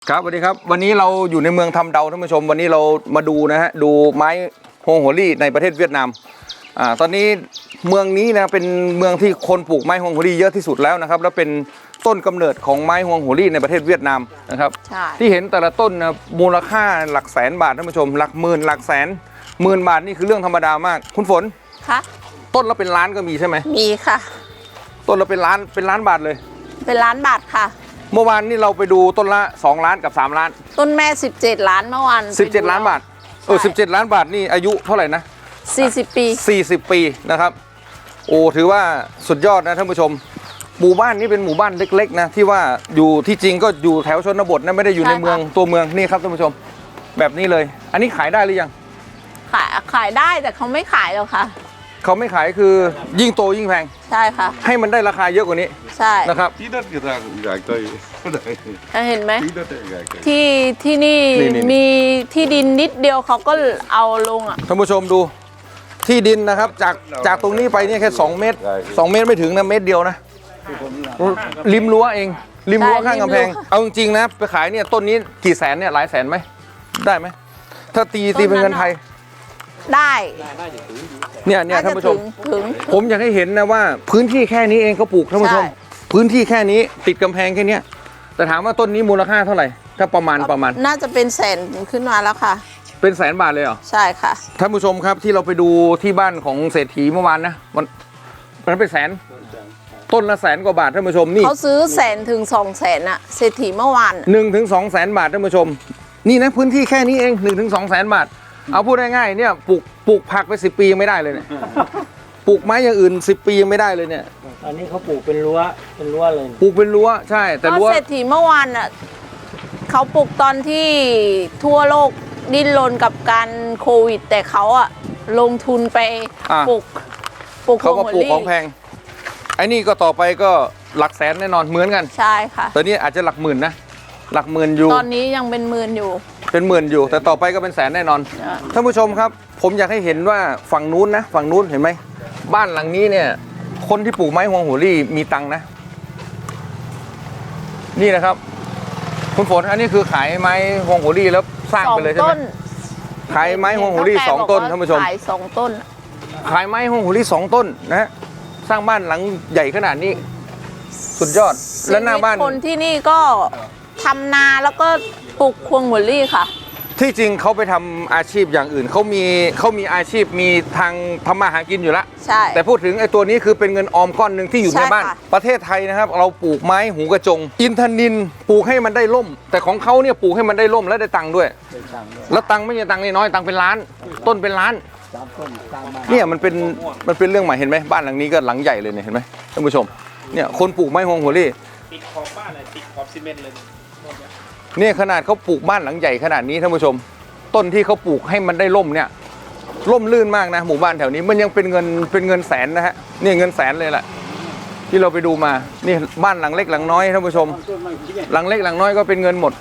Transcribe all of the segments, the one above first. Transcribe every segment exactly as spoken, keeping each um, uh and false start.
ครับสวัสดีครับวันนี้เราอยู่ในเมืองทำเดาท่านผู้ชมวันนี้เรามาดูนะฮะดูไม้ฮวงหัวลี่ในประเทศเวียดนามอ่าตอนนี้เมืองนี้นะเป็นเมืองที่คนปลูกไม้ฮวงหัวลี่เยอะที่สุดแล้วนะครับแล้วเป็นต้นกำเนิดของไม้ฮวงหัวลี่ในประเทศเวียดนามนะครับที่เห็นแต่ละต้นนะมูลค่าหลักแสนบาทท่านผู้ชมหลักหมื่นหลักแสนหมื่นบาทนี่คือเรื่องธรรมดามากคุณฝนค่ะต้นละเป็นล้านก็มีใช่ไหมมีค่ะต้นละเป็นล้านเป็นล้านบาทเลยเป็นล้านบาทค่ะเมื่อวานนี่เราไปดูต้นละสองล้านกับสามล้านต้นแม่สิบเจ็ดล้านเมื่อวานสิบเจ็ดล้านบาทเออสิบเจ็ดล้านบาทนี่อายุเท่าไหร่นะสี่สิบปีสี่สิบปีนะครับโอ้ถือว่าสุดยอดนะท่านผู้ชมหมู่บ้านนี้เป็นหมู่บ้านเล็กๆนะที่ว่าอยู่ที่จริงก็อยู่แถวชนบทนะไม่ได้อยู่ในเมืองตัวเมืองนี่ครับท่านผู้ชมแบบนี้เลยอันนี้ขายได้หรือยังขายขายได้แต่เขาไม่ขายหรอกค่ะเขาไม่ขายคือยิ่งโตยิ่งแพงใช่ค่ะให้มันได้ราคาเยอะกว่านี้ใช่นะครับที่นั่นก็ต่างกันเห็นไหมที่ที่นี่มีที่ดินนิดเดียวเขาก็เอาลงอ่ะท่านผู้ชมดูที่ดินนะครับจากจากตรงนี้ไปเนี่ยแค่สองเมตรสองเมตรไม่ถึงนะเมตรเดียวนะริมรั้วเองริมรั้วข้างกำแพงเอาจริงๆนะไปขายเนี่ยต้นนี้กี่แสนเนี่ยหลายแสนไหมได้ไหมถ้าตีตีเป็นเงินไทยได้เนี่ยเนี่ยท่านผู้ชมถึงผมอยากให้เห็นนะว่าพื้นที่แค่นี้เองเขาปลูกท่านผู้ชมพื้นที่แค่นี้ติดกำแพงแค่นี้แต่ถามว่าต้นนี้มูลค่าเท่าไหร่ถ้าประมาณประมาณน่าจะเป็นแสนขึ้นมาแล้วค่ะเป็นแสนบาทเลยเหรอใช่ค่ะท่านผู้ชมครับที่เราไปดูที่บ้านของเศรษฐีเมื่อวานนะมันมันเป็นแสนต้นละแสนกว่าบาทท่านผู้ชมนี่เขาซื้อแสนถึงสองแสนอะเศรษฐีเมื่อวานหนึ่งถึงสองแสนบาทท่านผู้ชมนี่นะพื้นที่แค่นี้เองหนึ่งถึงสองแสนบาทเอาพูดง่ายๆเนี่ยปลูกปลูกผักไปสิบปียังไม่ได้เลยเนี่ยปลูกไม้อย่างอื่นสิบปียังไม่ได้เลยเนี่ยอันนี้เขาปลูกเป็นรั้วเป็นรั้วเลยปลูกเป็นรั้วใช่แต่รั้วเศรษฐีเมื่อวานอ่ะเขาปลูกตอนที่ทั่วโลกดิ้นรนกับการโควิดแต่เขาอ่ะลงทุนไปปลูกปลูกเขาก็ปลูกของแพงไอ้นี่ก็ต่อไปก็หลักแสนแน่นอนเหมือนกันใช่ค่ะตอนนี้อาจจะหลักหมื่นนะหลักหมื่นอยู่ตอนนี้ยังเป็นหมื่นอยู่เป็นหมื่นอยู่แต่ต่อไปก็เป็นแสนแน่นอนท่านผู้ชมครับผมอยากให้เห็นว่าฝั่งนู้นนะฝั่งนู้นเห็นไหมบ้านหลังนี้เนี่ยคนที่ปลูกไม้ฮวงหัวลี่มีตังค์นะนี่นะครับคุณฝนอันนี้คือขายไม้ฮวงหัวลี่แล้วสร้างไปเลยใช่ไหมขายไม้ฮวงหัวลี่สองต้นท่านผู้ชมขายสองต้นขายไม้ฮวงหัวลี่สองต้นนะสร้างบ้านหลังใหญ่ขนาดนี้สุดยอดและหน้าบ้านคนที่นี่ก็ทำนาแล้วก็ปลูกฮวงหัวลี่ค่ะที่จริงเขาไปทำอาชีพอย่างอื่นเขามีเขามีอาชีพมีทางทำมาหากินอยู่แล้วใช่แต่พูดถึงไอ้ตัวนี้คือเป็นเงินออมก้อนหนึ่งที่อยู่ในบ้านประเทศไทยนะครับเราปลูกไม้หูกระจงอินทนิลปลูกให้มันได้ล่มแต่ของเขาเนี่ยปลูกให้มันได้ล่มและได้ตังค์ด้วยแล้วตังค์ไม่ใช่ตังค์น้อยตังค์เป็นล้านต้นเป็นล้านเนี่ยมันเป็นมันเป็นเรื่องใหม่เห็นไหมบ้านหลังนี้ก็หลังใหญ่เลยเนี่ยเห็นไหมท่านผู้ชมเนี่ยคนปลูกไม้ฮวงหัวลี่ติดขอบบ้านเลยติดขอบซีเมนต์เลยเนี่ยขนาดเขาปลูกบ้านหลังใหญ่ขนาดนี้ท่านผู้ชมต้นที่เขาปลูกให้มันได้ร่มเนี่ยร่มลื่นมากนะหมู่บ้านแถวนี้มันยังเป็นเงินเป็นเงินแสนนะฮะนี่เงินแสนเลยแหละที่เราไปดูมานี่บ้านหลังเล็กหลังน้อยท่านผู้ชมหลังเล็กหลังน้อยก็เป็นเงินหมด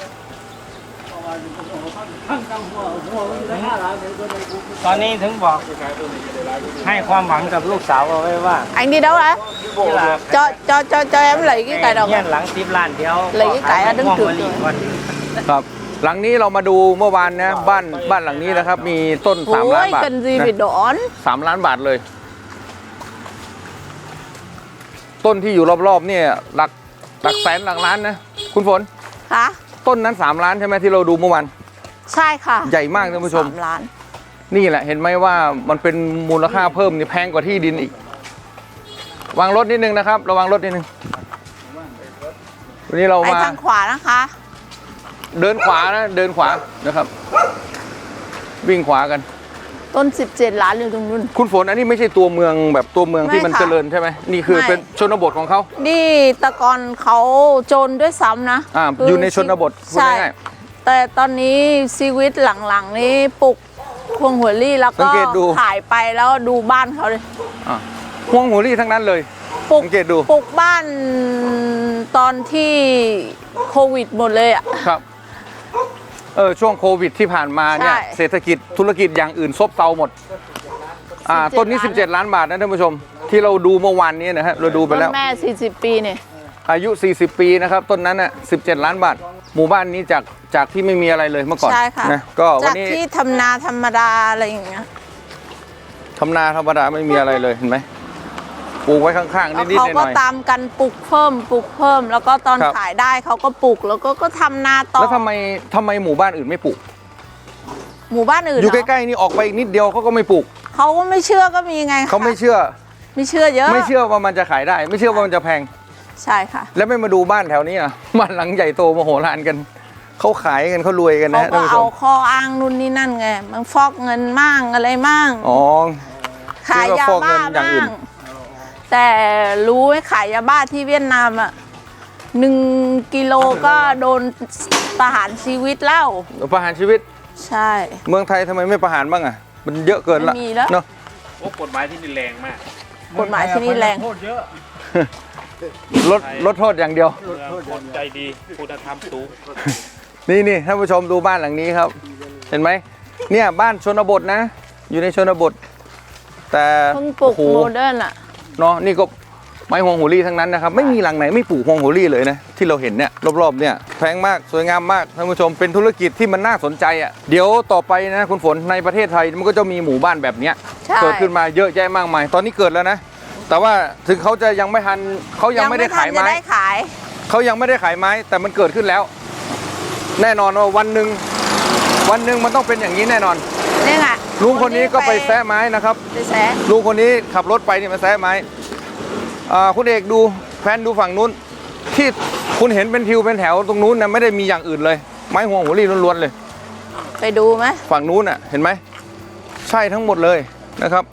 ตอนนี้ถึงบอกให้ความหวังกับลูกสาวเอาไว้ว่า anh đi đâu đấy cho cho cho cho em lấy cái cải đồng หลังสิบล้านเดียว lấy cái cải ở đứng trước ครับหลังนี้เรามาดูเมื่อวานนะบ้านบ้านหลังนี้นะครับมีต้นสามล้านบาทสามล้านบาทเลยต้นที่อยู่รอบๆเนี่ยหลักหลักแสนหลักล้านนะคุณฝนค่ะต้นนั้นสามล้านใช่ไหมที่เราดูเมื่อวานใช่ค่ะใหญ่มากท่านผู้ชมสามล้านนี่แหละเห็นไหมว่ามันเป็นมูลค่าเพิ่มนี่แพงกว่าที่ดินอีกวางรถนิดนึงนะครับระวังรถนิดนึงวันนี้เรามาทางขวานะคะเดินขวานะเดินขวานะครับวิ่งขวากันต้นสิบเจ็ดล้านอยู่ตรงนู้นคุณฝนอันนี้ไม่ใช่ตัวเมืองแบบตัวเมืองที่มันเจริญใช่ไหมนี่คือเป็นชนบทของเขานี่ตะกอนเขาจนด้วยซ้ำนะอ่าอยู่ในชนบทใช่แต่ตอนนี้ชีวิตหลังๆนี้ปลูกฮวงหัวลี่แล้วก็ขายไปแล้วดูบ้านเขาเลยอ่าฮวงหัวลี่ทั้งนั้นเลยสังเกตดูปลูกบ้านตอนที่โควิดหมดเลยอ่ะครับเออช่วงโควิดที่ผ่านมาเนี่ยเศรษฐกิจธุรกิจอย่างอื่นซบเซาหมดอ่าต้นนี้สิบเจ็ดล้านบาทนะท่านผู้ชมที่เราดูเมื่อวานนี้นะฮะเราดูไปแล้วต้นแม่สี่สิบปีเนี่ยอายุสี่สิบปีนะครับต้นนั้นน่ะสิบเจ็ดล้านบาทหมู่บ้านนี้จากจากที่ไม่มีอะไรเลยเมื่อก่อนใช่ค่ะนะก็วัจาน กนี้ที่ทำนาธรรมดาอะไรอย่างเงี้ยทำนาธรรมดาไม่มีอะไรเลยเห็นไหมปลูกไว้ข้างๆแล้วนิดๆหเขาก็น่อยตามกันปลูกเพิ่มปลูกเพิ่ม แล้วก็ตอนครับขายได้เขาก็ปลูกแล้วก็ก็ทำนาๆต่อแล้วทำไมทำไมหมู่บ้านอื่นไม่ปลูกหมู่บ้านอื่นอยู่เหรใกล้ๆนี่ออกไปอีกนิดเดียวเขาก็ไม่ปลูกเขาก็ไม่เชื่อก็มีไงคะเขาไม่เชื่อไม่เชื่อเยอะไม่เชื่อว่ามันจะขายได้ ไม่เชื่อว่ามันจะแพงใช่ค่ะแล้วไม่มาดูบ้านแถวนี้อ่ะ บ้านหลังใหญ่โตมโหฬารกันเขาขายกันเขารวยกันเขานะก็ท่านผู้ชเอามข้ออ้างนู่นนี่นั่นไงมันฟอกเงินมั่งอะไรมั่งอ๋อขายยาฟอกเงิบ้านอย่างอื่บ้าน งแต่รู้ไหมขายยาบ้าที่เวียดนามอ่ะหนึ่งกิโลก็โดนประหารชีวิตแล้วประหารชีวิตใช่เมืองไทยทำไมไม่ประหารบ้างอ่ะ มันเยอะเกินละไม่มีแล้วเนาะโอ้กฎหมายที่นี่แรงมากกฎหมายที่นี่แรงโทษเยอะลดลดโทษอย่างเดียวเมืองคนใจดีคุณธรรมสูงนี่นี่ท่านผู้ชมดูบ้านหลังนี้ครับ เห็นไหมเนี่ยบ้านชนบทนะ อยู่ในชนบท แต่เพิ่งปลูกโอ้โหโมเดิร์นอ่ะเนาะนี่ก็ไม้ฮวงโหรี่ทั้งนั้นนะครับ ไม่มีหลังไหนไม่ปลูกฮวงโหรี่เลยนะที่เราเห็นเนี่ยรอบๆเนี่ยแพงมากสวยงามมากท่านผู้ชมเป็นธุรกิจที่มันน่าสนใจอ่ะเดี๋ยวต่อไปนะคุณฝนในประเทศไทยมันก็จะมีหมู่บ้านแบบเนี้ยใช่เกิดขึ้นมาเยอะแยะมากมาย ตอนนี้เกิดแล้วนะ แต่ว่าถึงเขาจะยังไม่ทันเขายังไม่ได้ขายทันจะไม้ได้ขายเขายังไม่ได้ขายไม้แต่มันเกิดขึ้นแล้ว แน่นอนว่าวันหนึ่งวันหนึ่งมันต้องเป็นอย่างนี้แน่นอนนี่ไงลุงคนนี้ก็ไปแซะไม้นะครับไปแซะลุงคนนี้ขับรถไปนี่มาแซะไม้อ่าคุณเอกดูแพนดูฝั่งนู้น ที่คุณเห็นเป็นทิวเป็นแถวตรงนู้นนะไม่ได้มีอย่างอื่นเลย ไม้ห่วงหัวรี่ล้วนๆเลยไปดูไหมฝั่งนู้นอ่ะเห็นไหมใช่ทั้งหมดเลยนะครับ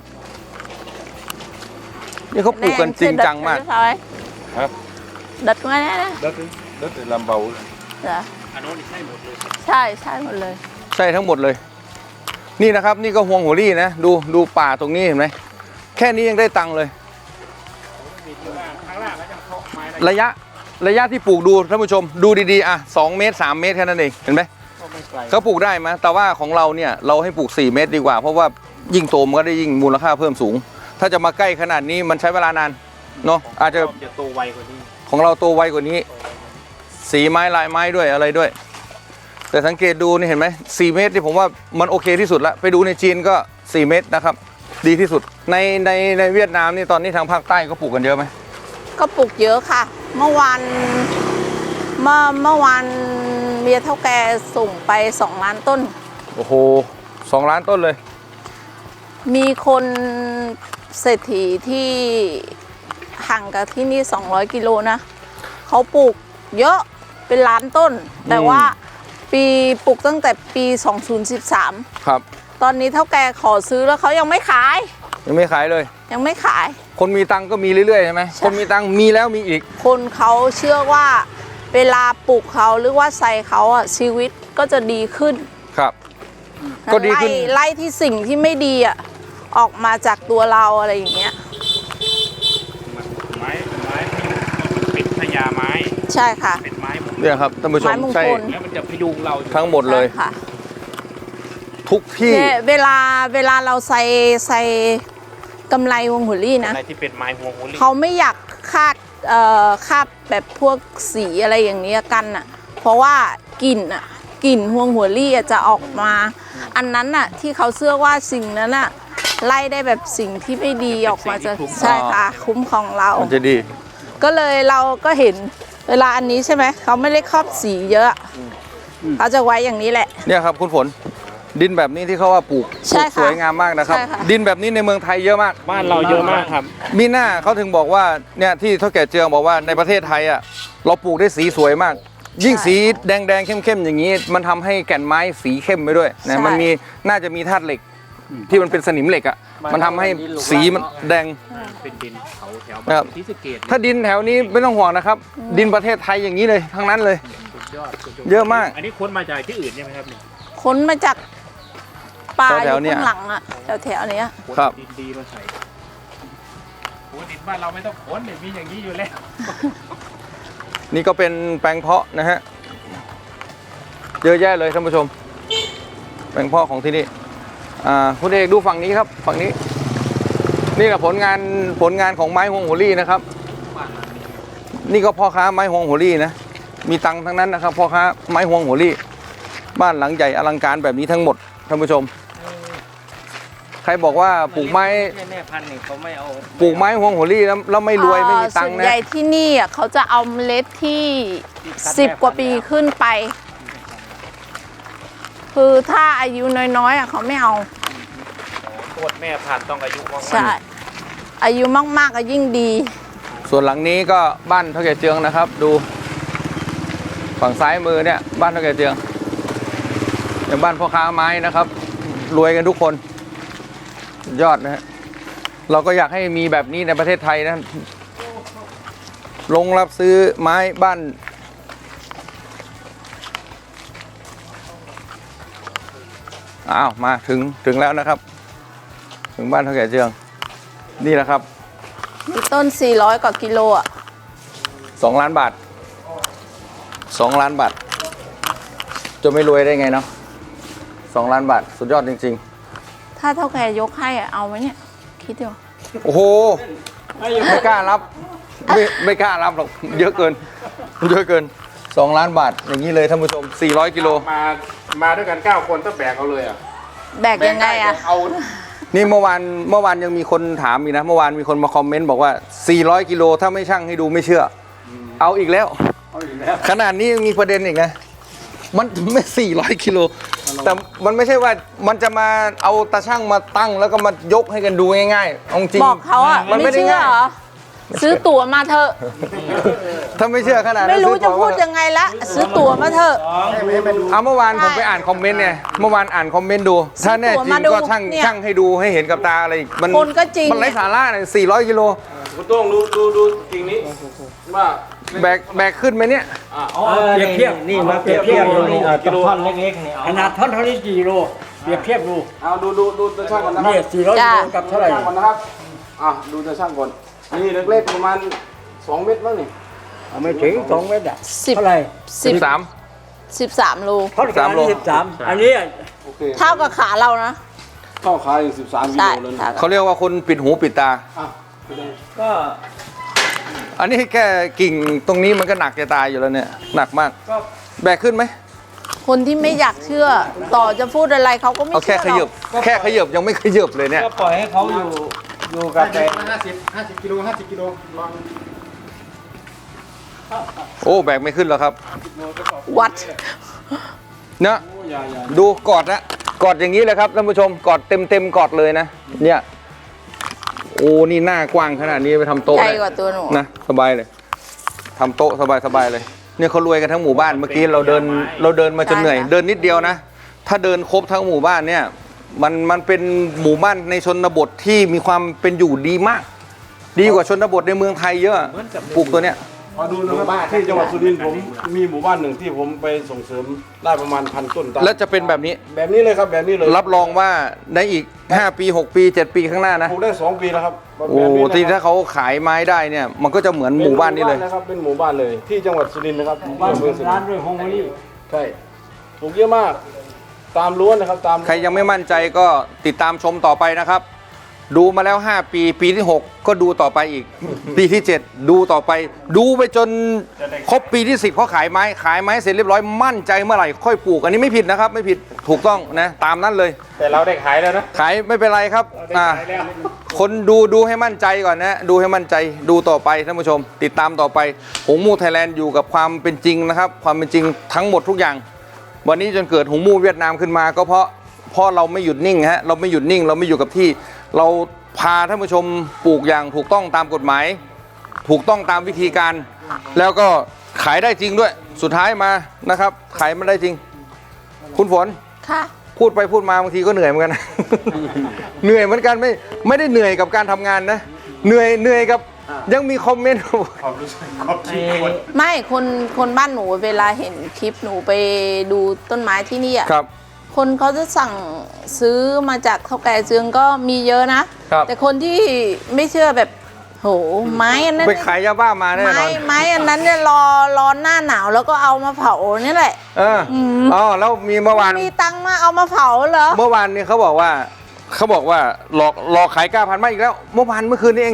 นี่เขาปลูกกันจริงจังมากครับดัดมาแน่นะแล้วถึงแล้วถึงลำเบาจ้ะอันโน้นใช่หมดเลยใช่ใช่หมดเลยใช่ทั้งหมดเลย นี่นะครับ นี่ก็ห่วงหัวรี่นะดูดูป่าตรงนี้เห็นไหมแค่นี้ยังได้ตังค์เลยข้างล่างก็จะเคาะไม้ได้ระยะระยะที่ปลูกดูท่านผู้ชมดูดีๆอ่ะสองเมตรสามเมตรแค่นั้นเองเห็นไหมก็ไม่ไกลเขาปลูกได้ไหมแต่ว่าของเราเนี่ยเราให้ปลูกสี่เมตรดีกว่า เพราะว่ายิ่งโตมันก็ได้ยิ่งมูลค่าเพิ่มสูง ถ้าจะมาใกล้ขนาดนี้มันใช้เวลานานเนาะอาจจะจะโตไวกว่านี้ของเราโตไวกว่านี้ สีไม้ลายไม้ด้วยอะไรด้วย แต่สังเกตดูนี่เห็นไหมสี่เมตรที่ผมว่ามันโอเคที่สุดละไปดูในจีนก็สี่เมตรนะครับดีที่สุดในในในเวียดนามนี่ตอนนี้ทางภาคใต้ก็ปลูกกันเยอะไหมก็ปลูกเยอะค่ะ เมื่อวานเมื่อเมื่อวานเมียเท่าแกส่งไปสองล้านต้นโอ้โหสองล้านต้นเลยมีคนเศรษฐีที่ห่างกับที่นี่สองร้อยกิโลนะเขาปลูกเยอะเป็นล้านต้น แต่ว่าปีปลูกตั้งแต่ปีสองพันสิบสามครับตอนนี้เท่าแกขอซื้อแล้วเขายังไม่ขายยังไม่ขายเลยยังไม่ขายคนมีตังค์ก็มีเรื่อยๆใช่ไหมใช่คนมีตังค์มีแล้วมีอีกคนเขาเชื่อว่าเวลาปลูกเขาหรือว่าใส่เขาอ่ะชีวิตก็จะดีขึ้นครับ ก็ดีขึ้นไล่ไล่ที่สิ่งที่ไม่ดีอ่ะออกมาจากตัวเราอะไรอย่างเงี้ยไม้ไม้เป็นพญาไม้ใช่ค่ะเป็นไม้มงคลเนี่ยครับท่านผู้ชมไม้มงคลใช่แล้วมันจะพยุงเราอยู่ทั้งหมดเลยใช่ค่ะทุกที่เนี่ยเวลาเวลาเราใส่ใส่กำไรวงหัวลี่นะอะไรที่เป็นไม้ห่วงหัวลี่เขาไม่อยากคาดเอ่อคาบแบบพวกสีอะไรอย่างเนี้ยกันอ่ะ เพราะว่ากลิ่นอ่ะกลิ่นห่วงหัวลี่อะจะออกมา อันนั้นอ่ะที่เขาเชื่อว่าสิ่งนั้นอ่ะไล่ได้แบบสิ่งที่ไม่ดีออกมาจะใช่ค่ะคุ้มของเรามันจะดีก็เลยเราก็เห็นเวลาอันนี้ใช่ไหมเขาไม่ได้ครอบสีเยอะเขาจะไว้อย่างนี้แหละเนี่ยครับคุณฝนดินแบบนี้ที่เขาว่าปลูกปใช่ลูกค่ะสวยงามมากนะครับใช่ค่ะดินแบบนี้ในเมืองไทยเยอะมากบ้านเราเยอะมากครับมีหน้าเขาถึงบอกว่าเนี่ยที่เท่าแก่เจืองบอกว่าในประเทศไทยอ่ะเราปลูกได้สีสวยมาก ยิ่งสีแดงแดงๆเข้มๆอย่างนี้ มันทำให้แก่นไม้สีเข้มไปด้วยนะมันมีน่าจะมีธาตุเหล็ก ที่มันเป็นสนิมเหล็กอ่ะมันทำให้สีมันแดงเป็นดินเขาแถวครับที่สะเกตถ้าดินแถวนี้ไม่ต้องห่วงนะครับ ดินประเทศไทยอย่างนี้เลยทั้งนั้นเลยสุดยอดสุดยดเยอะมากอันนี้ค้นมาจากที่อื่นใช่ไหมครับเนี่ยค้นมาจากป่าอแถยู่วๆเนี่ยข้างหลังอ่ะแถวๆเนี้ยค้นครับดินดีมาใส่โอ้ดินบ้านเราไม่ต้องค้นเนี่ยมีอย่างนี้อยู่แล้วนี่ก็เป็นแปลงเพาะนะฮะเยอะแยะเลยท่านผู้ชม แปลงเพาะของที่นี่อ่าคุณเอกดูฝั่งนี้ครับฝั่งนี้ นี่แหละผลงานผลงานของไม้ฮวงหัวรี่นะครับ นี่ก็พ่อค้าไม้ฮวงหัวรี่นะมีตังค์ทั้งนั้นนะครับพ่อค้าไม้ฮวงหัวลี่บ้านหลังใหญ่อลังการแบบนี้ทั้งหมดท่านผู้ชม ใครบอกว่าปลูกไม้แม่พันธุ์นี่เขาไม่เอาปลูกไม้ฮวงหัวลี่แล้วแล้วไม่รวยไม่มีตังค์ส่วนนะใหญ่ที่นี่อ่ะเขาจะเอาเมล็ดที่สิบกว่าปีขึ้นไป คือถ้าอายุน้อยๆอ่ะเขาไม่เอาโคตรแม่พันธุ์ต้องอายุมากใช่ อายุมากๆก็ยิ่งดีส่วนหลังนี้ก็บ้านเท่าแก่เจืองนะครับ ดูฝั่งซ้ายมือเนี่ยบ้านเท่าแก่เจืองอย่างบ้านพ่อค้าไม้นะครับ รวยกันทุกคนยอดนะฮะเราก็อยากให้มีแบบนี้ในประเทศไทยนะลงรับซื้อไม้บ้านอ้าวมาถึงถึงแล้วนะครับ ถึงบ้านเท่าแก่เจืองนี่แหละครับมีต้นสี่ร้อยกว่ากิโลอ่ะสองล้านบาทสองล้านบาทจะไม่รวยได้ไงเนาะสองล้านบาทสุดยอดจริงๆถ้าเท่าแก่ยกให้อ่ะเอาไหมเนี่ย คิดดูโอ้โห ไม่กล้ารับ ไม่ไม่กล้ารับหรอก เยอะเกิน เยอะเกินสองล้านบาท อย่างนี้เลยท่านผู้ชมสี่ร้อยกิโลมามาด้วยกันเก้าคนต้องแบกเอาเลยอ่ะแบกยังไงอ่ะเอานี่เมื่อวานเมื่อวานยังมีคนถามอีกนะ เมื่อวานมีคนมาคอมเมนต์บอกว่าสี่ร้อยกิโลถ้าไม่ชั่งให้ดูไม่เชื่อ เอาอีกแล้วเอาอีกแล้วขนาดนี้ยังมีประเด็นอีกนะ มันไม่สี่ร้อยกิโล แต่มันไม่ใช่ว่ามันจะมาเอาตาช่างมาตั้งแล้วก็มายกให้กันดูง่ายๆเอาจริงบอกเขาอ่ะมันไม่ไม่ได้เชื่อง่ายเหรอ ซื้อตั๋วมาเถอะถ้าไม่เชื่อขนาดนั้นไม่รู้ซื้อจะตั๋วพูดมายังไงละ ซื้อตั๋วมาเถอะเอาเมื่อวานผมไปอ่านคอมเมนต์เนี่ยเมื่อวานอ่านคอมเมนต์ดู ถ้าแน่จริงก็ช่างเนี่ยช่างให้ดูให้เห็นกับตาอะไรอีกมันคนก็จริงมันไร้สาระเนี่ยสี่ร้อยกิโลคุณต้องดูดูดูกิ่งนี้ว่าแบกแบกขึ้นไหมเนี่ยอ่ะเปรียบเทียบนี่มาเปรียบเทียบดูนี่เอาตะท่อนเล็กๆนี่เอาขนาดท่อนเท่านี้กี่กิโลเปรียบเทียบดูเอาดูดูดูตัวช่างก่อนนะครันี่บสี่ร้อยกิโลกับเท่าไหร่ช่างก่อนนะครับอ่ะดูตัวช่างก่อนนี่เล็กๆประมาณสองเมตรบ้างนี่เอาไม่ถึงสองเมตรอ่ะสิบเท่าไหร่สิบสามสิบสามโลท่อนกลางสามโลนี่สิบสามอันนี้โอเคเท่ากับขาเรานะเข้าขายอีกสิบสามกิใช่โลเลยเท่านะกับเขาเรียกว่าคนปิดหูปิดตาอ่ะก็อันนี้แค่กิ่งตรงนี้มันก็หนักจะตายอยู่แล้วเนี่ยหนักมากก็แบกขึ้นไหมคนที่ไม่อยากเชื่อ ต่อจะพูดอะไรเขาก็ไม่เอาเชื่แค่อขหรยัอบ กแค่ขยับยังไม่ขยับเลยเนี่ยก็ปล่อยให้เขาอยู่อยู่กับแต่ห้าสิบห้าสิบกิโลห้าสิบกิโลลองโอ้แบกไม่ขึ้นแล้วครับวัดเนะอย่าอย่าดูกอดนะกอดอย่างนี้เลยครับท่านผู้ชมกอดเต็มเต็มๆกอดเลยนะเนี่ยโอ้นี่หน้ากว้างขนาดนี้ไปทำโต๊ะใหญ่ได้กว่าตัวหนูนะสบายเลยทำโต๊ะสบายสบายเลยเนี่ยเขารวยกันทั้งหมู่บ้านเมื่อกี้เราเดินเราเดินมาจนเหนื่อย เดินนิดเดียวนะ ถ้าเดินครบทั้งหมู่บ้านเนี่ยมันมันเป็นหมู่บ้านในชนบทที่มีความเป็นอยู่ดีมาก ดีกว่าชนบทในเมืองไทยเยอะปลูกตัวเนี้ยมาดูนะครับที่จังหวัดสุรินทร์ผมมีหมู่บ้านหนึ่งที่ผมไปส่งเสริมได้ประมาณพันต้นตาลแล้วจะเป็นแบบนี้แบบนี้เลยครับแบบนี้เลยรับรองว่าในอีกห้าปีหกปีเจ็ดปีข้างหน้านะปลูกได้สองปีแล้วครับแบบโอ้นี้นะครับที่ถ้าเขาขายไม้ได้เนี่ยมันก็จะเหมือนหมู่บ้านนี้เลยป็นะครับเป็นหมู่บ้านเลยที่จังหวัดสุรินทร์นะครับบ้านที่อำเภอสุริร้านนทร์ด้วยฮงโมลี่ใช่ปลูกเยอะมากตามล้วนนะครับตามใครยังไม่มั่นใจก็ติดตามชมต่อไปนะครับ ดูมาแล้วห้าปีปีที่หกก็ดูต่อไปอีก ปีที่เจ็ดดูต่อไป ดูไปจนครบปีที่สิบเขาขายไม้ขายไม้เสร็จเรียบร้อยมั่นใจเมื่อไหร่ค่อยปลูกอันนี้ไม่ผิดนะครับ ไม่ผิดถูกต้องนะตามนั้นเลยแต่เราได้ขายแล้วนะขายไม่เป็นไรครับอ่าคนดูดูให้มั่นใจก่อนนะดูให้มั่นใจดูต่อไปท่านผู้ชม ติดตามต่อไปหงมูไทยแลนด์อยู่กับความเป็นจริงนะครับ ความเป็นจริงทั้งหมดทุกอย่าง วันนี้จนเกิดหงมูเวียดนามขึ้นมาก็เพราะเพราะเราไม่หยุดนิ่งฮะเราไม่หยุดนิ่ง เราไม่อยู่กับที่เราพาท่านผู้ชมปลูกอย่างถูกต้องตามกฎหมาย ถูกต้องตามวิธีการ แล้วก็ขายได้จริงด้วย สุดท้ายมานะครับขายมันได้จริง คุณฝนค่ะพูดไปพูดมาบางทีก็เหนื่อยเหมือนกันนะ เหนื่อยเหมือนกันไม่ไม่ได้เหนื่อยกับการทำงานนะเหนื่อยเหนื่อยกับยังมีคอมเมนต์ความรู้สึกความคิดคนไม่คนคนบ้านหนูเวลาเห็นคลิปหนูไปดูต้นไม้ที่นี่อ่ะครับคนเขาจะสั่งซื้อมาจากเท่าแก่เจืองก็มีเยอะนะครับแต่คนที่ไม่เชื่อแบบโหไม้อันนั้นไปขายยาบ้ามาแน่นไม้อนไม้อันนั้นเนี่ยรอรอหน้าหนาวแล้วก็เอามาเผานี่แหละเอออ๋อแล้วมีเมื่อวานมีตังค์มาเอามาเผาเหรอเมื่อวานนี้เขาบอกว่าเขาบอกว่าหลอกหลอกขายเก้าพันมาอีกแล้ว เมื่อวานเมื่อคืนนี้เอง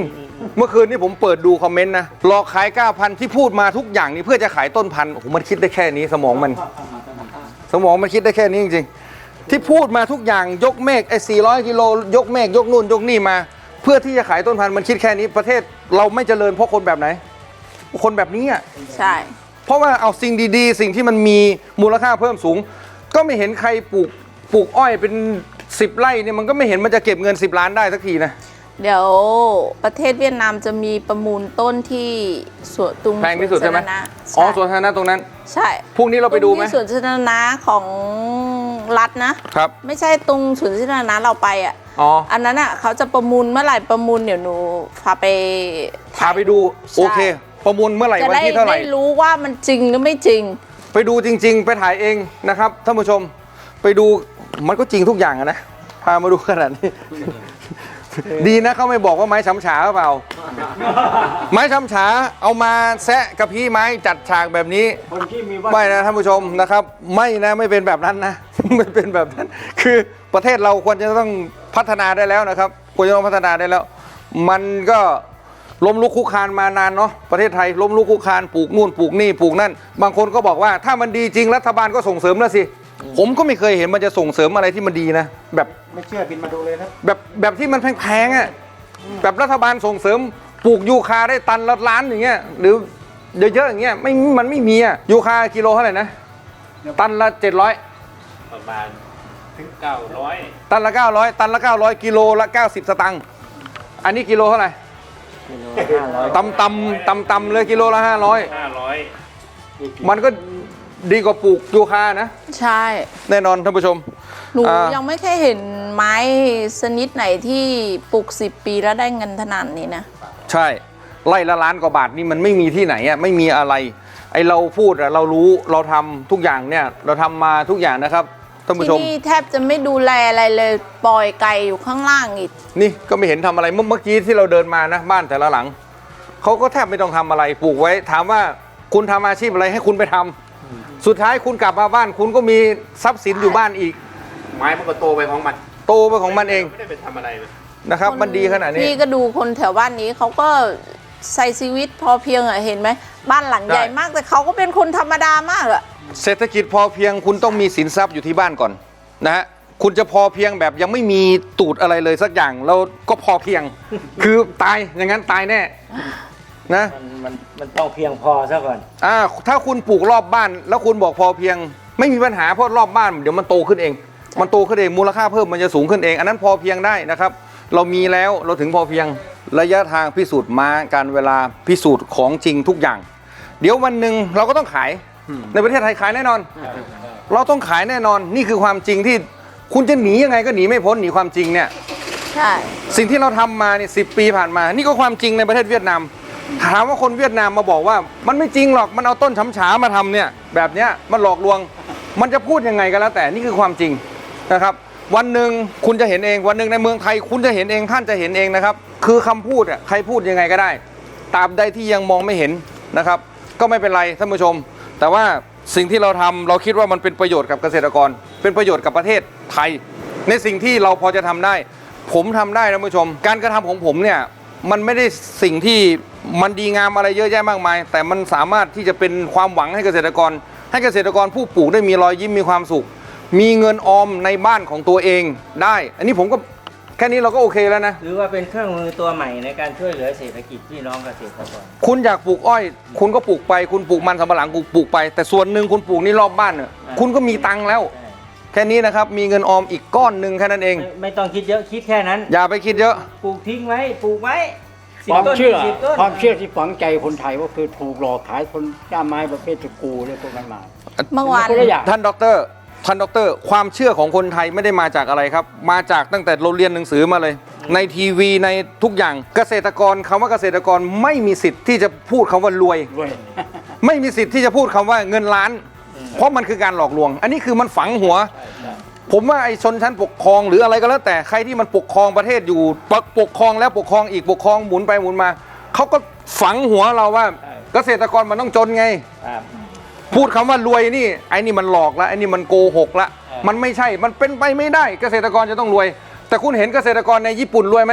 เมื่อคืนนี้ผมเปิดดูคอมเมนต์นะหลอกขายเก้าพันที่พูดมาทุกอย่างนี่เพื่อจะขายต้นพันธุ์โอ้โหมันคิดได้แค่นี้สมองมัน สมองมันคิดได้แค่นี้จริงๆที่พูดมาทุกอย่างยกเมฆไอ้สี่ร้อยกิโลยกเมฆยกนู่นยกนี่มา เพื่อที่จะขายต้นพันธุ์มันคิดแค่นี้ประเทศเราไม่เจริญเพราะคนแบบไหน คนแบบนี้อ่ะใช่เพราะว่าเอาสิ่งดีๆ สิ่งที่มันมีมูลค่าเพิ่มสูง ก็ไม่เห็นใครปลูกปลูกอ้อยเป็นสิบไร่เนี่ยมันก็ไม่เห็นมันจะเก็บเงินสิบล้านได้สักทีนะเดี๋ยวประเทศเวียดนามจะมีประมูลต้นที่สวนตุงแพงที่สุดใช่ไหมสวนสาธารณะอ๋อใช่สวนสาธารณะตรงนั้นใช่พรุ่งนี้เราไปดูไหมตงที่สวนสาธารณะของรัฐนะครับไม่ใช่ตรงสวนสาธารณะเราไปอ่ะอ๋ออันนั้นอ่ะเขาจะประมูลเมื่อไหร่ประมูลเดี๋ยวหนูพาไปพาไปดูโอเค ประมูลเมื่อไหร่จะวันได้ที่เท่าไหร่ได้รู้ว่ามันจริงหรือไม่จริงไปดูจริง ๆ ไปถ่ายเองนะครับท่านผู้ชมไปดูมันก็จริงทุกอย่างอะนะพามาดูขนาดนี้ ดีนะเขาไม่บอกว่าไม้ช้ำฉาหรือเปล่า ไม้ช้ำฉาเอามาแซะกับพี่ไม้จัดฉากแบบนี้คนที่มีว่าไม่นะท่านผู้ชมนะครับ ไม่นะไม่เป็นแบบนั้นนะ ไม่เป็นแบบนั้น คือประเทศเราควรจะต้องพัฒนาได้แล้วนะครับควรจะต้องพัฒนาได้แล้ว มันก็ล้มลุกคุกคานมานานเนาะประเทศไทยล้มลุกคุกคานปลูกนู่นปลูกนี่ปลูกนั่น บางคนก็บอกว่าถ้ามันดีจริงรัฐบาลก็ส่งเสริมแล้วสิผมก็ไม่เคยเห็นมันจะส่งเสริมอะไรที่มันดีนะแบบไม่เชื่อบินมาดูเลยนะแบบแบบที่มันแพงๆอ่ะแบบรัฐบาลส่งเสริมปลูกยูคาได้ตันละล้านอย่างเงี้ยหรือเยอะๆอย่างเงี้ยไม่มันไม่มีอ่ะยูคากิโลเท่าไหร่นะตันละเจ็ดร้อยประมาณถึงเก้าร้อยตันละเก้าร้อยตันละเก้าร้อยกิโลละเก้าสิบสตังค์อันนี้กิโลเท่าไหร่ตำตำตำตำเลยกิโลละห้าร้อยห้าร้อยมันก็ดีกว่าปลูกยูคานะใช่แน่นอนท่านผู้ชมหนูอ่ายัยังไม่เคยเห็นไม้ชนิดไหนที่ปลูกสิบปีแล้วได้เงินขนาดนี้นะใช่ไล่ละล้านกว่าบาทนี่มันไม่มีที่ไหนอ่ะไม่มีอะไรไอเราพูดอะเรารู้เราทำทุกอย่างเนี่ยเราทำมาทุกอย่างนะครับท่านผู้ชที่มนี่แทบจะไม่ดูแลอะไรเลยปล่อยไก่อยู่ข้างล่างอีกนี่ก็ไม่เห็นทำอะไรเมื่อเมื่อกี้ที่เราเดินมานะบ้านแต่ละหลังเขาก็แทบไม่ต้องทำอะไรปลูกไว้ ถามว่าคุณทำอาชีพอะไรให้คุณไปทำสุดท้ายคุณกลับมาบ้านคุณก็มีทรัพย์สินอยู่บ้านอีกไม้มันก็โตไปของมันโตไปของมันเองไม่ได้ไปทำอะไรเลยนะครับ มันดีขนาดนี้พี่ก็ดูคนแถวบ้านนี้เขาก็ใส่ชีวิตพอเพียงอะเห็นไหมบ้านหลังใหญ่ใช่มากแต่เขาก็เป็นคนธรรมดามากอะเศรษฐกิจพอเพียงคุณต้องมีสินทรัพย์อยู่ที่บ้านก่อนนะฮะคุณจะพอเพียงแบบยังไม่มีตูดอะไรเลยสักอย่างแล้วก็พอเพียง คือตายอย่างนั้นตายแน่นะมันมันมันต้องเพียงพอซะก่อนอ่าถ้าคุณปลูกรอบบ้าน แล้วคุณบอกพอเพียง ไม่มีปัญหาเพราะรอบบ้านเดี๋ยวมันโตขึ้นเอง มันโตขึ้นเองมูลค่าเพิ่มมันจะสูงขึ้นเอง อันนั้นพอเพียงได้นะครับ เรามีแล้วเราถึงพอเพียงระยะทางพิสูจน์มาการเวลาพิสูจน์ของจริงทุกอย่าง เดี๋ยววันหนึ่งเราก็ต้องขายในประเทศไทยขายแน่นอน เราต้องขายแน่นอนนี่คือความจริงที่คุณจะหนียังไงก็หนีไม่พ้นหนีความจริงเนี่ยใช่สิ่งที่เราทำมาเนี่ยสิปีผ่านมา นี่ก็ความจริงในประเทศเวียดนาม ถามว่าคนเวียดนามมาบอกว่า มันไม่จริงหรอกมันเอาต้นฉำฉามาทำเนี่ยแบบเนี้ยมันหลอกลวง มันจะพูดยังไงก็แล้วแต่นี่คือความจริงนะครับ วันหนึ่งคุณจะเห็นเองวันหนึ่งในเมืองไทย คุณจะเห็นเองท่านจะเห็นเองนะครับ คือคำพูดอ่ะใครพูดยังไงก็ได้ตราบใดที่ยังมองไม่เห็นนะครับ ก็ไม่เป็นไรท่านผู้ชม แต่ว่าสิ่งที่เราทำเราคิดว่ามันเป็นประโยชน์กับเกษตรกร เป็นประโยชน์กับประเทศไทย ในสิ่งที่เราพอจะทำได้ ผมทำได้ท่านผู้ชม การกระทำของผมเนี่ยมันไม่ได้สิ่งที่มันดีงามอะไรเยอะแยะมากมาย แต่มันสามารถที่จะเป็นความหวังให้เกษตรกร ให้เกษตรกรผู้ปลูกได้มีรอยยิ้มมีความสุข มีเงินออมในบ้านของตัวเองได้ อันนี้ผมก็แค่นี้เราก็โอเคแล้วนะหรือว่าเป็นเครื่องมือตัวใหม่ในการช่วยเหลือเศรษฐกิจพี่น้องเกษตรกรคุณอยากปลูกอ้อย คุณก็ปลูกไป คุณปลูกมันสำปะหลังปลูกไป แต่ส่วนหนึ่งคุณปลูกนี่รอบบ้านเนี่ยคุณก็มีตังค์แล้ว แค่นี้นะครับ มีเงินออมอีกก้อนหนึ่งแค่นั้นเองไม่ไม่ต้องคิดเยอะคิดแค่นั้นอย่าไปคิดเยอะปลูกทิ้งไว้ปลูกไว้สิบความต้นเชื่อสิบต้นความเชื่อที่ฝังใจคนไทยก็คือถูกหลอกขายคนด้ามไม้ประเภทสกรูเลยพวกนั้นมาเมื่อวานคนละอย่างท่านด็อกเตอร์ท่านด็อกเตอร์ความเชื่อของคนไทยไม่ได้มาจากอะไรครับ มาจากตั้งแต่เราเรียนหนังสือมาเลย ในทีวีในทุกอย่างเกษตรกรคำว่าเกษตรกรไม่มีสิทธิ์ที่จะพูดคำว่ารวยด้วยไม่มีสิทธิ์ที่จะพูดคำว่าเงินล้าน เพราะมันคือการหลอกลวง อันนี้คือมันฝังหัว ผมว่าไอ้ชนชั้นปกครองหรืออะไรก็แล้วแต่ใครที่มันปกครองประเทศอยู่ปกปกครองแล้วปกครองอีกปกครองหมุนไปหมุนมาเขาก็ฝังหัวเราว่าเกษตรกรมันต้องจนไงครับพูดคำว่ารวยนี่ไอ้นี่มันหลอกละไอ้นี่มันโกหกละมันไม่ใช่มันเป็นไปไม่ได้ เกษตรกรจะต้องรวย แต่คุณเห็นเกษตรกรในญี่ปุ่นรวยไหม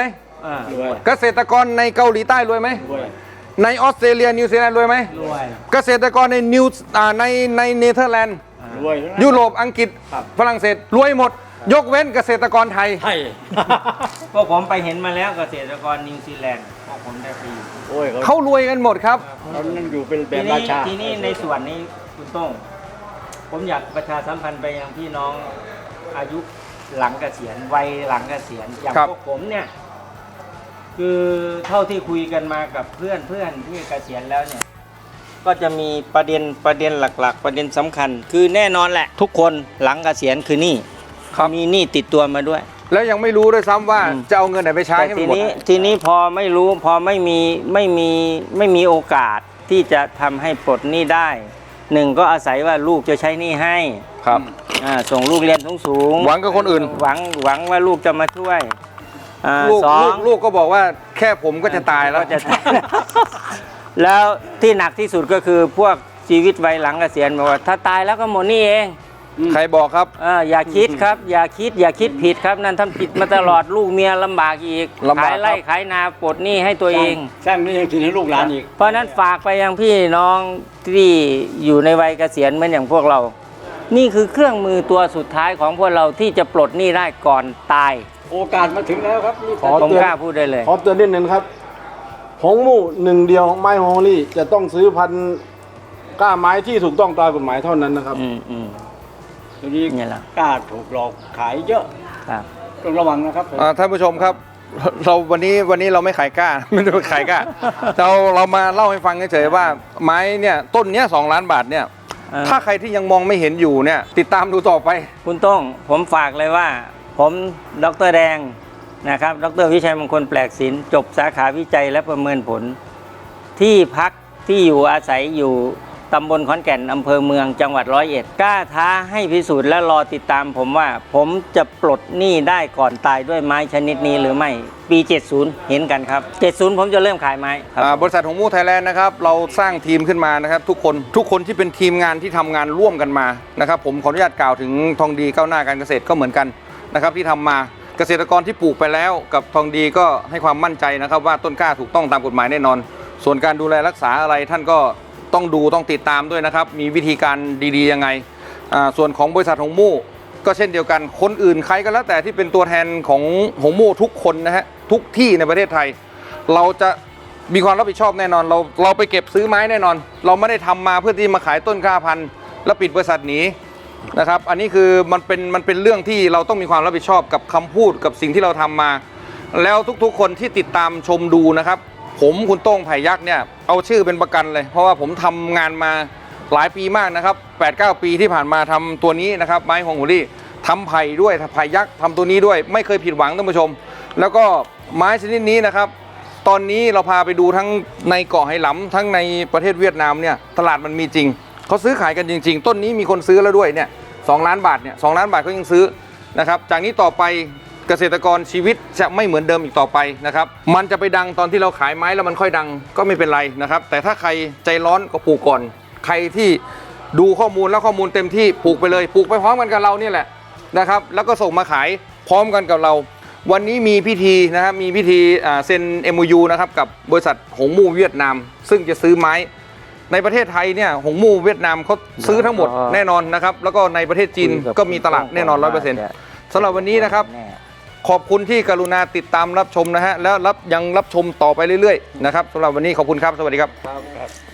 อ่ารวยเกษตรกรในเกาหลีใต้รวยไหมรวยในออสเตรเลียนิวซีแลนด์รวยไหมรวยเกษตรกรในนิวอ่าในในเนเธอร์แลนด์รวยยุโรปอังกฤษฝรั่งเศสรวยหมด ยกเว้นเกษตรกรไทยไทยพวกผมไปเห็นมาแล้วเกษตรกรนิวซีแลนด์พวกผมได้ไปอยู่โอ้ยเขาเขารวยกันหมดครับเขานั่นอยู่เป็นแบทีบรานี้ชาทีนี้ในส่วนนี้คุณโต้งผมอยากประชาสัมพันธ์ไปยังพี่น้องอายุหลังเกษียณวัยหลังเกษียณอย่างครับพวกผมเนี่ย คือเท่าที่คุยกันมากับเพื่อนเพื่อนที่เกษียณแล้วเนี่ย ก็จะมีประเด็นประเด็นหลัก ๆ ประเด็นสำคัญ คือแน่นอนแหละ ทุกคนหลังเกษียณคือหนี้มีหนี้ติดตัวมาด้วยแล้วยังไม่รู้ด้วยซ้ำว่าอืมจะเอาเงินไหนไปใช้แต่ให้มัทีนหมดนี้ทีนี้พอไม่รู้พอไม่มีไม่มีไม่มีโอกาสที่จะทำให้ปลดหนี้ได้หนึ่งก็อาศัยว่าลูกจะใช้หนี้ให้ครับอ่าส่งลูกเรียนสูงๆหวังกับคนอื่นหวังหวังว่าลูกจะมาช่วยอ่าลูกสอลูงกลูกก็บอกว่าแค่ผมก็จะตายแล้วก็จะตาย แล้วที่หนักที่สุดก็คือพวกชีวิตวัยหลังเกษียณบอกว่าถ้าตายแล้วก็หมดหนี่เองใครบอกครับเอออย่าคิดครับ อย่าคิดอย่าคิดผิดครับนั่นท่านผิดมาตลอดลูกเมียลำบากอีกลำบากขายไร่ครับขายนาปลดหนี้ให้ตัวเองสร้างนี่ยังถึงให้ลูกหลานอีกเพราะฉะนั้นฝากไปยังพี่น้องที่อยู่ในวัยเกษียณเหมือนอย่างพวกเรา นี่คือเครื่องมือตัวสุดท้ายของพวกเราที่จะปลดหนี้ได้ก่อนตายโอกาสมาถึงแล้วครับนี่ขอผมเตือนกล้าพูดได้เลยขอเตือนนิดนึงครับหงมู่หนึ่งเดียวของไม้ฮองลี่จะต้องซื้อพันธุ์กล้าไม้ที่ถูกต้องตามกฎหมายเท่านั้นนะครับอืมอืมทีนี้เนี่ยแหละกล้าถูกหลอกขายเยอะครับต้องระวังนะครับผมอ่าท่านผู้ชมครับ เราวันนี้วันนี้เราไม่ขายกล้า ไม่ได้ขายกล้า เราเรามาเล่าให้ฟังเฉยๆว่าไม้เนี่ยต้นเนี้ยสองล้านบาทเนี่ยเออถ้าใครที่ยังมองไม่เห็นอยู่เนี่ยติดตามดูต่อไปคุณต้องผมฝากเลยว่า ผมดรแดงนะครับ ดรวิชัยมงคลแปลกศิลป์จบสาขาวิจัยและประเมินผล ที่พักที่อยู่อาศัยอยู่ตำบลขอนแก่นอำเภอเมืองจังหวัดร้อยเอ็ดกล้าท้าให้พิสูจน์และรอติดตามผมว่า ผมจะปลดหนี้ได้ก่อนตายด้วยไม้ชนิดนี้หรือไม่ปี เจ็ดสิบ เห็นกันครับ เจ็ดสิบ ผมจะเริ่มขายไม้ครับอ่าบริษัทหงมู่ไทยแลนด์นะครับเราสร้างทีมขึ้นมานะครับทุกคนทุกคนที่เป็นทีมงานที่ทำงานร่วมกันมานะครับผมขออนุญาตกล่าวถึงทองดีก้าวหน้าการเกษตรก็เหมือนกันนะครับที่ทำมาเกษตรกรที่ปลูกไปแล้วกับทองดีก็ให้ความมั่นใจนะครับว่าต้นกล้าถูกต้องตามกฎหมายแน่นอน ส่วนการดูแลรักษาอะไรท่านก็ต้องดูต้องติดตามด้วยนะครับมีวิธีการดีๆยังไงอ่าส่วนของบริษัทหงมู่ก็เช่นเดียวกันคนอื่นใครก็แล้วแต่ที่เป็นตัวแทนของหงมู่ทุกคนนะฮะทุกที่ในประเทศไทย เราจะมีความรับผิดชอบแน่นอนเราเราไปเก็บซื้อไม้แน่นอน เราไม่ได้ทำมาเพื่อที่มาขายต้นกล้าพันธุ์แล้วปิดบริษัทหนีนะครับอันนี้คือมันเป็นมันเป็นเรื่องที่เราต้องมีความรับผิดชอบกับคำพูดกับสิ่งที่เราทำมา แล้วทุกๆคนที่ติดตามชมดูนะครับผมคุณโต้งไผ่ยักษ์เนี่ยเอาชื่อเป็นประกันเลย เพราะว่าผมทำงานมาหลายปีมากนะครับ แปดเก้า ปีที่ผ่านมาทำตัวนี้นะครับไม้ฮวงหัวรี่ทำไผ่ด้วยไผ่ยักษ์ทำตัวนี้ด้วยไม่เคยผิดหวังท่านผู้ชม แล้วก็ไม้ชนิดนี้นะครับตอนนี้เราพาไปดูทั้งในเกาะไหหลำทั้งในประเทศเวียดนามเนี่ยตลาดมันมีจริงเขาซื้อขายกันจริง ๆ ต้นนี้มีคนซื้อแล้วด้วยเนี่ยสองล้านบาทเนี่ยสองล้านบาทเขายังซื้อนะครับจากนี้ต่อไปเกษตรกรชีวิตจะไม่เหมือนเดิมอีกต่อไปนะครับมันจะไปดังตอนที่เราขายไม้แล้วมันค่อยดังก็ไม่เป็นไรนะครับแต่ถ้าใครใจร้อนก็ปลูกก่อนใครที่ดูข้อมูลแล้วข้อมูลเต็มที่ปลูกไปเลยปลูกไปพร้อมกันกับเรานี่แหละนะครับแล้วก็ส่งมาขายพร้อมกันกับเรา วันนี้มีพิธีนะครับมีพิธีเซ็น เอ็ม โอ ยู นะครับกับบริษัทหงมู่เวียดนาม ซึ่งจะซื้อไม้ในประเทศไทยเนี่ยหงมู่เวียดนามเขาซื้อทั้งหมดแน่นอนนะครับแล้วก็ในประเทศจีนก็มีตลาดแน่นอน ร้อยเปอร์เซ็นต์ สำหรับวันนี้นะครับขอบคุณที่กรุณาติดตามรับชมนะฮะแล้วรับยังรับชมต่อไปเรื่อยๆนะครับสำหรับวันนี้ขอบคุณครับสวัสดีครับ